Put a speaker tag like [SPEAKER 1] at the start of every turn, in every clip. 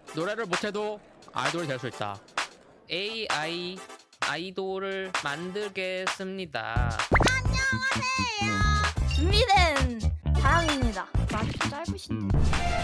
[SPEAKER 1] 노래를 못해도 아이돌이 될 수 있다. AI 아이돌을 만들겠습니다.
[SPEAKER 2] 준비된 사람입니다. 말이 좀 짧으신데.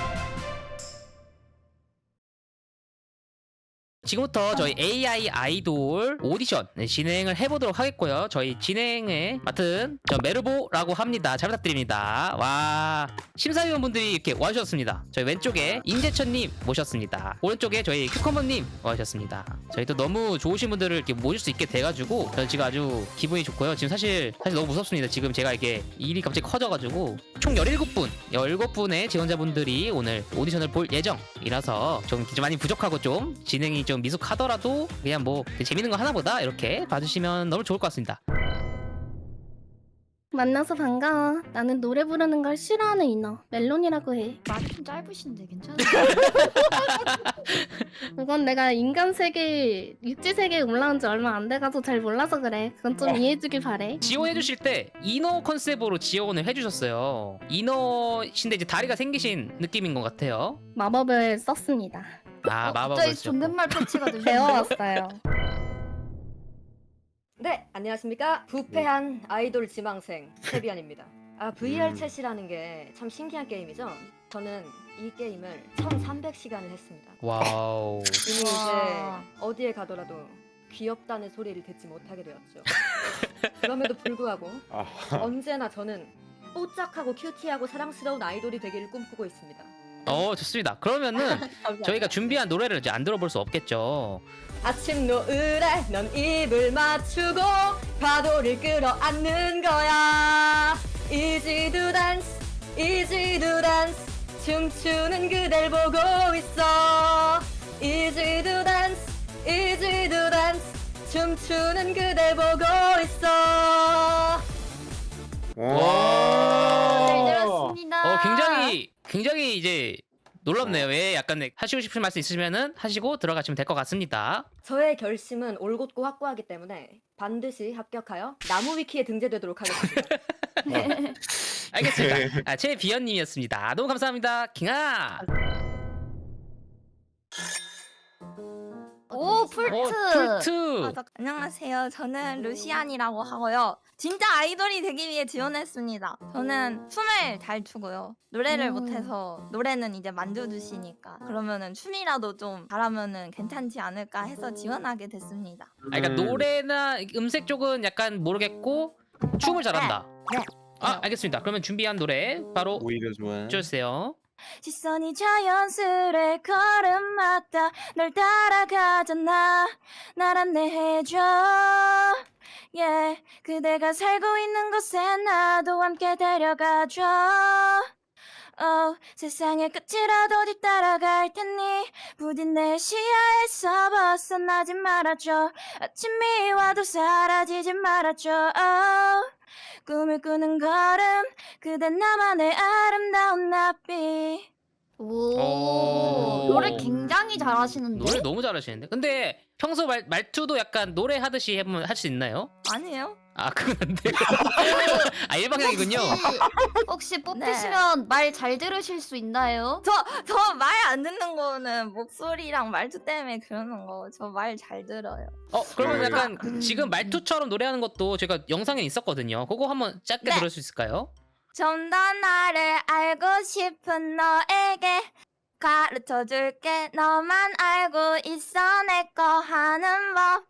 [SPEAKER 1] 지금부터 저희 AI 아이돌 오디션 진행을 해보도록 하겠고요. 저희 진행에 맡은 저 메르보라고 합니다. 잘 부탁드립니다. 와, 심사위원분들이 이렇게 와주셨습니다. 저희 왼쪽에 임재천님 모셨습니다. 오른쪽에 저희 큐커머님 와주셨습니다. 저희 또 너무 좋으신 분들을 이렇게 모실 수 있게 돼가지고 저는 지금 아주 기분이 좋고요. 지금 사실 너무 무섭습니다. 지금 제가 이게 일이 갑자기 커져가지고 총 17분의 지원자분들이 오늘 오디션을 볼 예정이라서 좀 많이 부족하고 좀 진행이 좀 미숙하더라도 그냥 뭐 재밌는 거 하나보다 이렇게 봐주시면 너무 좋을 것 같습니다.
[SPEAKER 3] 만나서 반가워. 나는 노래 부르는 걸 싫어하는 인어 멜론이라고 해.
[SPEAKER 2] 말이 좀 짧으신데 괜찮아요?
[SPEAKER 3] 그건 내가 인간 세계, 육지 세계에 올라온 지 얼마 안 돼가지고 잘 몰라서 그래. 그건 좀 이해해주길 바래.
[SPEAKER 1] 지원해주실 때 이너 컨셉으로 지원을 해주셨어요. 이너신데 이제 다리가 생기신 느낌인 것 같아요.
[SPEAKER 3] 마법을 썼습니다.
[SPEAKER 1] 아, 마법을
[SPEAKER 2] 갑자기
[SPEAKER 1] 쓰셨고.
[SPEAKER 2] 존댓말 패치가 되셨네요.
[SPEAKER 3] 배워왔어요.
[SPEAKER 4] 네, 안녕하십니까. 부패한 아이돌 지망생 세비안입니다. VR 챗이라는 게 참 신기한 게임이죠. 저는 이 게임을 1300시간을 했습니다.
[SPEAKER 1] 와우.
[SPEAKER 4] 이미 이제
[SPEAKER 2] 와.
[SPEAKER 4] 어디에 가더라도 귀엽다는 소리를 듣지 못하게 되었죠. 그럼에도 불구하고 언제나 저는 뽀짝하고 큐티하고 사랑스러운 아이돌이 되기를 꿈꾸고 있습니다.
[SPEAKER 1] 좋습니다. 그러면은 저희가 준비한 노래를 이제 안 들어볼 수 없겠죠.
[SPEAKER 4] 아침 노을에 넌 입을 맞추고 파도를 끌어안는 거야. Easy to dance, easy to dance. 춤추는 그댈 보고 있어. Easy to dance, easy to dance. 춤추는 그댈 보고 있어.
[SPEAKER 2] 잘 들었습니다.
[SPEAKER 1] 굉장히 이제 놀랍네요. 예, 약간 하시고 싶은 말씀 있으시면은 하시고 들어가시면 될 것 같습니다.
[SPEAKER 4] 저의 결심은 올곧고 확고하기 때문에 반드시 합격하여 나무 위키에 등재되도록 하겠습니다.
[SPEAKER 1] 알겠습니다. 최비연님이었습니다. 너무 감사합니다. 킹아.
[SPEAKER 2] 오 풀트.
[SPEAKER 5] 안녕하세요. 저는 루시안이라고 하고요. 진짜 아이돌이 되기 위해 지원했습니다. 저는 춤을 잘 추고요. 노래를 못해서 노래는 이제 만져주시니까 그러면은 춤이라도 좀 잘하면은 괜찮지 않을까 해서 지원하게 됐습니다.
[SPEAKER 1] 그러니까 노래나 음색 쪽은 약간 모르겠고 춤을 잘한다.
[SPEAKER 5] 네.
[SPEAKER 1] 알겠습니다. 그러면 준비한 노래 바로
[SPEAKER 6] 오히려 좋아.
[SPEAKER 1] 주세요.
[SPEAKER 5] 시선이 자연스레 걸음마다 널 따라가잖아. 날 안내해줘. 그대가 살고 있는 곳에 나도 함께 데려가줘. 세상의 끝이라도 뒤따라갈 테니 부디 내 시야에서 벗어나지 말아줘. 아침이 와도 사라지지 말아줘. 꿈을 꾸는 걸음 그대 나만의 아름다운 나비.
[SPEAKER 2] 오. 노래 굉장히 잘하시는데.
[SPEAKER 1] 노래 너무 잘하시는데. 근데 평소 말투도 약간 노래 하듯이 해보면 할 수 있나요?
[SPEAKER 5] 아니에요?
[SPEAKER 1] 그건 안 돼요. 일방향이군요.
[SPEAKER 2] 혹시 뽑히시면 말 잘 들으실 수 있나요?
[SPEAKER 5] 저 말 안 듣는 거는 목소리랑 말투 때문에 그러는 거. 저 말 잘 들어요.
[SPEAKER 1] 그러면 약간 지금 말투처럼 노래하는 것도 제가 영상에 있었거든요. 그거 한번 짧게
[SPEAKER 5] 네.
[SPEAKER 1] 들을 수 있을까요?
[SPEAKER 5] 좀 더 나를 알고 싶은 너에게 가르쳐줄게. 너만 알고 있어 내 거 하는 법.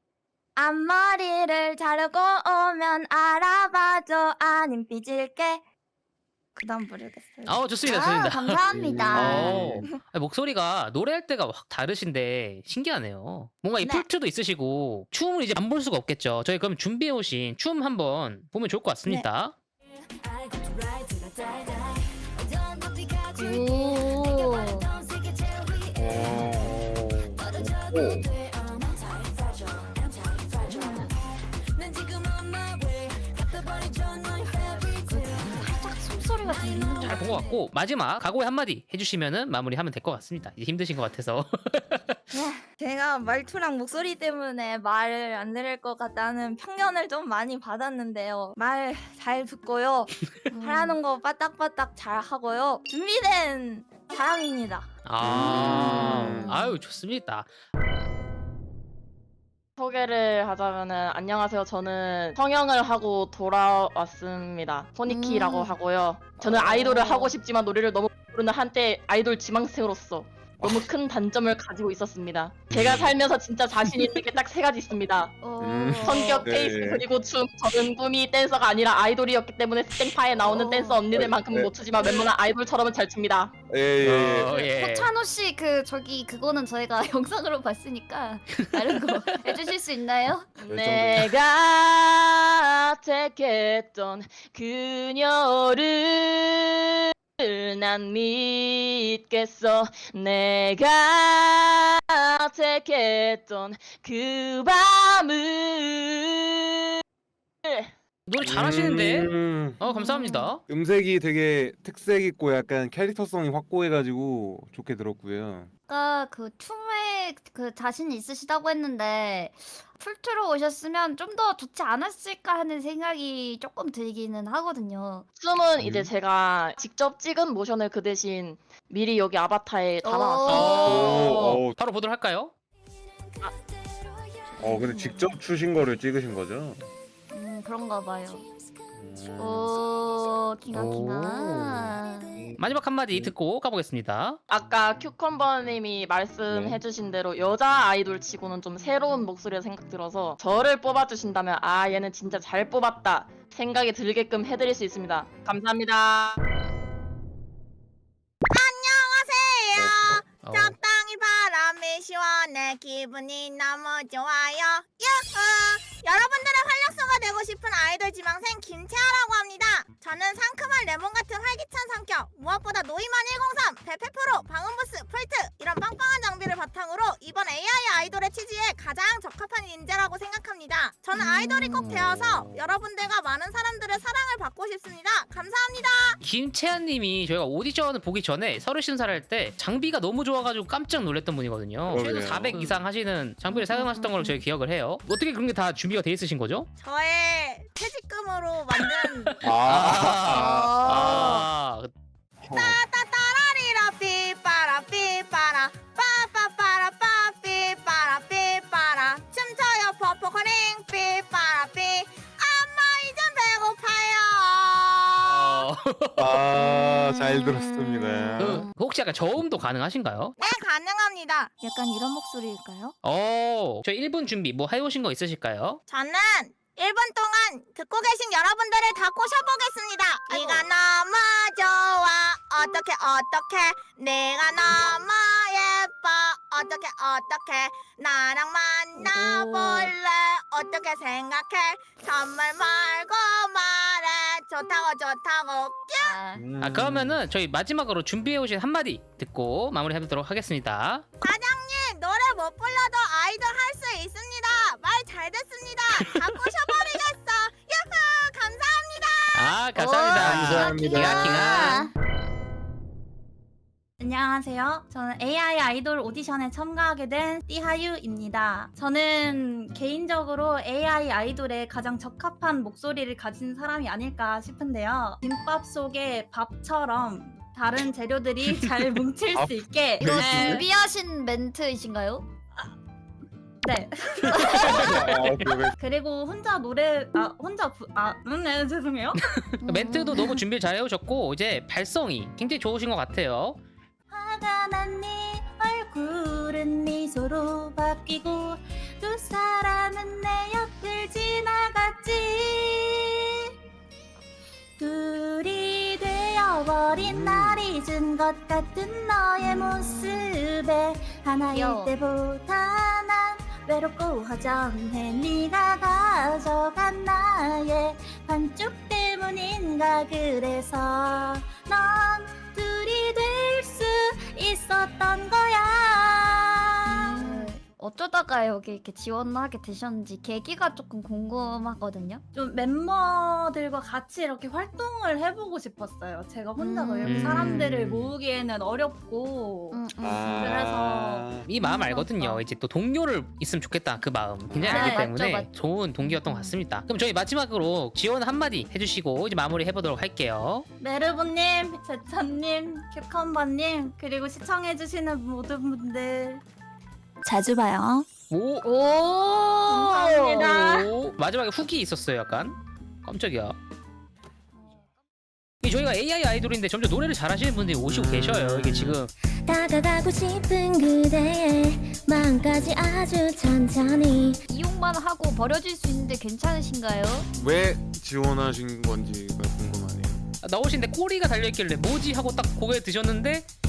[SPEAKER 5] 앞머리를 자르고 오면 알아봐줘. 아님 삐질게. 그 다음 부르겠어요.
[SPEAKER 1] 좋습니다.
[SPEAKER 2] 감사합니다.
[SPEAKER 1] 목소리가 노래할 때가 확 다르신데 신기하네요. 뭔가 이
[SPEAKER 5] 네.
[SPEAKER 1] 풀트도 있으시고 춤을 이제 안 볼 수가 없겠죠. 저희 그럼 준비해오신 춤 한번 보면 좋을 것 같습니다.
[SPEAKER 2] 살짝 숨소리가 들리는
[SPEAKER 1] 잘 본 것 같고 마지막 각오의 한마디 해주시면은 마무리하면 될 것 같습니다. 이제 힘드신 것 같아서.
[SPEAKER 5] 제가 말투랑 목소리 때문에 말을 안 들을 것 같다는 편견을 좀 많이 받았는데요. 말 잘 듣고요. 하라는 거 빠딱빠딱 잘 하고요. 준비된 사람입니다.
[SPEAKER 1] 아유 좋습니다.
[SPEAKER 6] 소개를 하자면은 안녕하세요. 저는 성형을 하고 돌아왔습니다. 포니키라고 하고요. 저는 아이돌을 하고 싶지만 노래를 너무 부르는 한때 아이돌 지망생으로서 너무 큰 단점을 가지고 있었습니다. 제가 살면서 진짜 자신 있는 게 딱 3가지 있습니다. 성격,
[SPEAKER 7] 네.
[SPEAKER 6] 페이스, 그리고 춤. 저는 꿈이 댄서가 아니라 아이돌이었기 때문에 스탱파에 나오는 댄서 언니들만큼은 못 추지만 웬만한 아이돌처럼은 잘 춥니다.
[SPEAKER 7] 예.
[SPEAKER 2] 호찬호 씨 그거는 저희가 영상으로 봤으니까 다른 거 해주실 수 있나요?
[SPEAKER 6] 내가 택했던 그녀를 난 믿겠어. 내가 택했던 그 밤을.
[SPEAKER 1] 노래 잘하시는데? 감사합니다.
[SPEAKER 7] 음색이 되게 특색 있고 약간 캐릭터성이 확고해가지고 좋게 들었고요.
[SPEAKER 2] 아까 그 춤에 그 자신 있으시다고 했는데 풀트로 오셨으면 좀 더 좋지 않았을까 하는 생각이 조금 들기는 하거든요.
[SPEAKER 6] 춤은 이제 제가 직접 찍은 모션을 그 대신 미리 여기 아바타에 담아놨어요.
[SPEAKER 7] 오.
[SPEAKER 1] 바로 보도록 할까요?
[SPEAKER 7] 근데 직접 추신 거를 찍으신 거죠?
[SPEAKER 2] 그런가 봐요. 오, 킹아.
[SPEAKER 1] 마지막 한마디 듣고 가보겠습니다.
[SPEAKER 6] 아까 큐컴버님이 말씀해주신 대로 여자 아이돌 치고는 좀 새로운 목소리가 생각 들어서 저를 뽑아주신다면 아 얘는 진짜 잘 뽑았다 생각이 들게끔 해드릴 수 있습니다. 감사합니다.
[SPEAKER 5] 적당히 바람이 시원해 기분이 너무 좋아요. 유후! 여러분들의 활력소가 되고 싶은 아이돌 지망생 김채아라고 합니다. 저는 상큼한 레몬 같은 활기찬 성격, 무엇보다 노이만 103, 베페 프로, 방음부스, 폴트 이런 빵빵한 장비를 바탕으로 이번 AI 아이돌의 취지에 가장 적합한 인재라고 생각합니다. 저는 아이돌이 꼭 되어서 여러분들과 많은 사람들의 사랑을 받고 싶습니다. 감사합니다.
[SPEAKER 1] 김채한님이 저희가 오디션을 보기 전에 서류 심사를 할 때 장비가 너무 좋아가지고 깜짝 놀랐던 분이거든요. 최소
[SPEAKER 7] 그러게요.
[SPEAKER 1] 400 이상 하시는 장비를 사용하셨던 걸로 저희 기억을 해요. 어떻게 그런 게 다 준비가 돼 있으신 거죠?
[SPEAKER 5] 저의 퇴직금으로 만든 따따따라리라 삐빠라 삐빠라 빠빠빠라 빠삐빠라 삐빠라 춤춰요 퍼포커링 삐빠라 삐 엄마 이젠 배고파요.
[SPEAKER 7] 잘 들었습니다.
[SPEAKER 1] 혹시 약간 저음도 가능하신가요?
[SPEAKER 5] 네 가능합니다. 약간 이런 목소리일까요?
[SPEAKER 1] 저희 1분 준비 뭐 해오신 거 있으실까요?
[SPEAKER 5] 저는 1분 동안 듣고 계신 여러분들을 다 꼬셔보겠습니다. 네가 너무 좋아 어떡해 네가 너무 예뻐 어떡해 나랑 만나볼래 어떻게 생각해 선물 말고 말해 좋다고
[SPEAKER 1] 그러면은 저희 마지막으로 준비해오신 한마디 듣고 마무리하도록 하겠습니다.
[SPEAKER 5] 사장님 노래 못 불러도 아이돌 할 수 있습니다. 말 잘 됐습니다. 다 꼬셔버리겠어. 유후 감사합니다.
[SPEAKER 1] 감사합니다.
[SPEAKER 7] 감사합니다.
[SPEAKER 1] 킹아.
[SPEAKER 8] 안녕하세요. 저는 AI 아이돌 오디션에 참가하게 된 띠하유입니다. 저는 개인적으로 AI 아이돌에 가장 적합한 목소리를 가진 사람이 아닐까 싶은데요. 김밥 속의 밥처럼 다른 재료들이 잘 뭉칠 수 있게
[SPEAKER 2] 이거 준비하신 멘트이신가요?
[SPEAKER 8] 네. 그리고 혼자 노래 네, 죄송해요.
[SPEAKER 1] 멘트도 너무 준비를 잘 해오셨고 이제 발성이 굉장히 좋으신 것 같아요.
[SPEAKER 8] 화가 난 네 얼굴은 미소로 바뀌고 두 사람은 내 옆을 지나갔지. 둘이 되어버린 날 잊은 것 같은 너의 모습에 하나일
[SPEAKER 2] 귀여워.
[SPEAKER 8] 때보다 난 외롭고 허전해. 네가 가져간 나의 반쪽 때문인가. 그래서 넌 둘이 될 수 있었던 거야.
[SPEAKER 2] 어쩌다가 여기 이렇게 지원하게 되셨는지 계기가 조금 궁금하거든요.
[SPEAKER 8] 좀 멤버들과 같이 이렇게 활동을 해보고 싶었어요. 제가 혼자서 이렇게 사람들을 모으기에는 어렵고 그래서
[SPEAKER 1] 이 마음 알거든요. 이제 또 동료를 있으면 좋겠다 그 마음 굉장히 알기
[SPEAKER 2] 맞죠,
[SPEAKER 1] 때문에
[SPEAKER 2] 맞죠.
[SPEAKER 1] 좋은 동기였던 것 같습니다. 그럼 저희 마지막으로 지원 한마디 해주시고 이제 마무리 해보도록 할게요.
[SPEAKER 8] 메르보님, 제찬님, 큐컴버님 그리고 시청해주시는 모든 분들
[SPEAKER 5] 자주 봐요.
[SPEAKER 1] 오,
[SPEAKER 8] 감사합니다.
[SPEAKER 1] 오, 마지막에 후기 있었어요. 약간 깜짝이야. 이 저희가 AI 아이돌인데 점점 노래를 잘하시는 분들이 오시고 계셔요. 이게 지금
[SPEAKER 9] 다가가고 싶은 그대의 마음까지 아주 천천히
[SPEAKER 2] 이용만 하고 버려질 수 있는데 괜찮으신가요?
[SPEAKER 7] 왜 지원하신 건지가 궁금하네요.
[SPEAKER 1] 나오시는데 꼬리가 달려있길래 뭐지 하고 딱 고개 드셨는데